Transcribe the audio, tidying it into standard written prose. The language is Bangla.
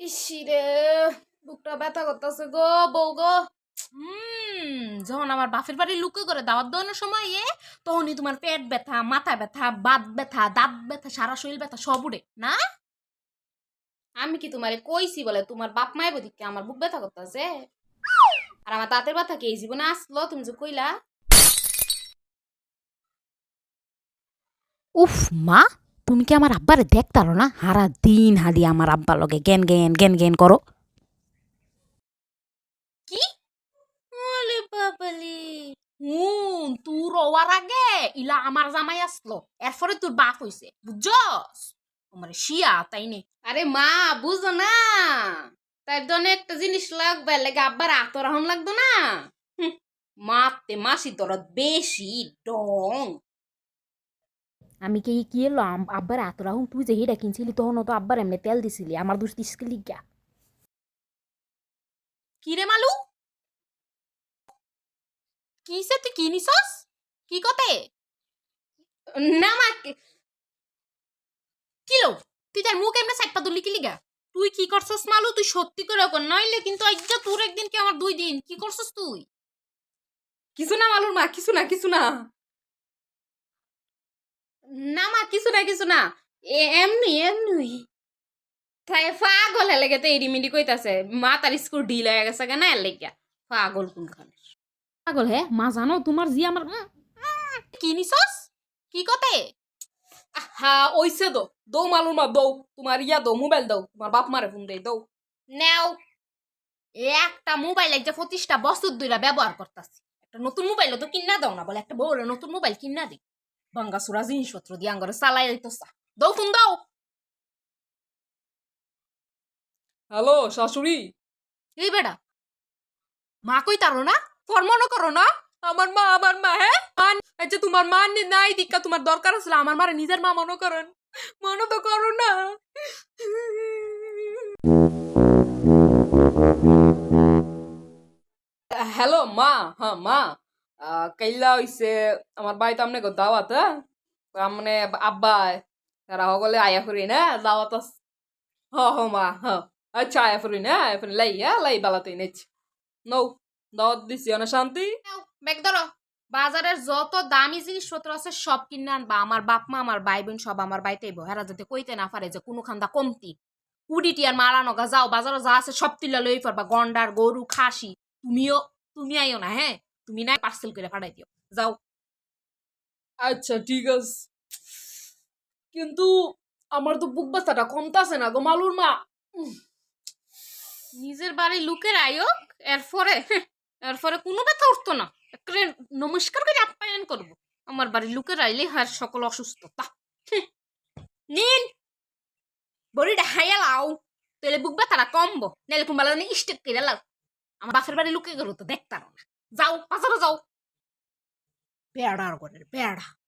ইসিরে বুকটা ব্যথা করতেছে গো বউ গো। যখন আমার বাপের বাড়ি লুকে করে দাওয়াত দেওয়ানোর সময় তখনই তোমার পেট ব্যথা, মাথা ব্যথা, বাত ব্যথা, দাঁত ব্যথা, সারা শরীর ব্যথা সব উড়ে না। আমি কি তোমারে কইছি বলে তোমার বাপ মায়ের বদিকে আমার বুক ব্যথা করতেছে? আর আমার দাঁতের ব্যথা কি এই জীবনে আসলো তুমি যে কইলা? উফ মা, তুমি কি আমার আব্বারে দেখতারো না? হারা দিন হাদি আমার আব্বার লগে জ্ঞান জ্ঞান জ্ঞান জ্ঞান করো। কি? ওলে বাবালে, তোর হওয়ার আগে ইলা আমার জামাই আসলো, এরপরে তোর বাপ হইছে, বুঝছস? আমার শিয়া তাই নে। আরে মা, বুঝো না, তার জন্য একটা জিনিস লাগবে, লাগে আব্বার আতরাহন লাগতো না। হুঁ, মাতে মাসি তোর বেশি ডং। আমি কি এলো আব্বার এত রাহুম, তুই যে হেটা কিনছিলি তখন তো আব্বার এমনি তেল দিছিলি, আমার দোষ দিস লিগা। কি রে মালু, কিসে তুই কি নিছস? কি কতে? না মা, কিলো তুই তার মুখ এমনি সাইডটা ধরলি কি লিগা? তুই কি করছস মালু? তুই সত্যি করে কর, নইলে কিন্তু আজ্জা তোর একদিন কি আমার 2 দিন। কি করছস তুই? কিছু না মালুর মা, কিছু না কিছু না। না মা, কিছু না কিছু না, এমনি এমনি। তাই পাগল হেলে গেতে এডিমিডি কইতাছে, মা তার স্কুল ঢিল হয়ে গেছে কেন এর লেগিয়া। পাগল কোনখানে। পাগল হে মা, জানো তোমার জি আমার কি নিছস? কি কতে? হা ওইসে দৌ মালুর মা দৌ, তোমার ইয়া দৌ, মোবাইল দাও, তোমার বাপ মারে ফোন দেই দৌ। নেও, একটা মোবাইল একটা 25টা বছর ধরে ব্যবহার করতাছি, একটা নতুন মোবাইল তো কিনা দাও না বলে, একটা বড় নতুন মোবাইল কিনা দি। ভাঙ্গাসুরা জিনিসপত্র দিয়ে আঙ্গরে চালাই দিতেছা। দাও ফোন দাও। হ্যালো শাশুড়ি। এই বেটা, মা কই তারো না? তোর মনে করো না? আমার মা হ্যাঁ মান, আচ্ছা তোমার মা নাই দীক্ষা, তোমার দরকার আছে আমার মারে নিজের মা মনে করেন, মনে তো করো না। হ্যালো মা, হ্যাঁ মা, কাইলা হইছে আমার বাড়িতে আমনে দাওয়াত, হ্যাঁ আমনে আব্বা তারা সকলে আয়া করি না দাওয়াত আছে। হ হ মা হ, আচ্ছা আয়া করি না, আয়া করি লাই, হ্যাঁ লাই বালাতেই নেছি নৌ, দাওয়াত দিছি অনেক শান্তি। নাও, ব্যাগ ধরো। বাজারের যত দামি জিনিসপত্র আছে সব কিনে আনবা, আমার বাপ মা আমার ভাই বোন সব আমার বাড়িতে আইবো, হেরা যাতে কইতে না পারে যে কোনো খান্দা কমতি। কুড়িটি আর মারানো গা, যাও বাজারে যা আছে সব তিল্লা লই পারবা, গন্ডার গরু খাসি। তুমি আইও না, হ্যাঁ তুমি না পার্সেল করে পাঠাই দিও, যাও। আচ্ছা ঠিক আছে, কিন্তু আমার তো বুক ব্যথাটা কমতাছে না গো মালুর মা। নিজের বাড়ি লুকের আয়োগ, এরপরে কোনো ব্যথা উঠতো না, একটা নমস্কার করে আপ্যায়ন করবো। আমার বাড়ি লুকের আইলে হার সকল অসুস্থতা। নিন, বড়িটা হাইয়া লাও, তাহলে বুক ব্যথাটা কমবো, নাহলে কুম্বালা স্টেক করে লাও। আমার বাপের বাড়ি লুকে গেল তো দেখতাম না। যাও বাজারে যাও, বেড়ার করে বেড়া।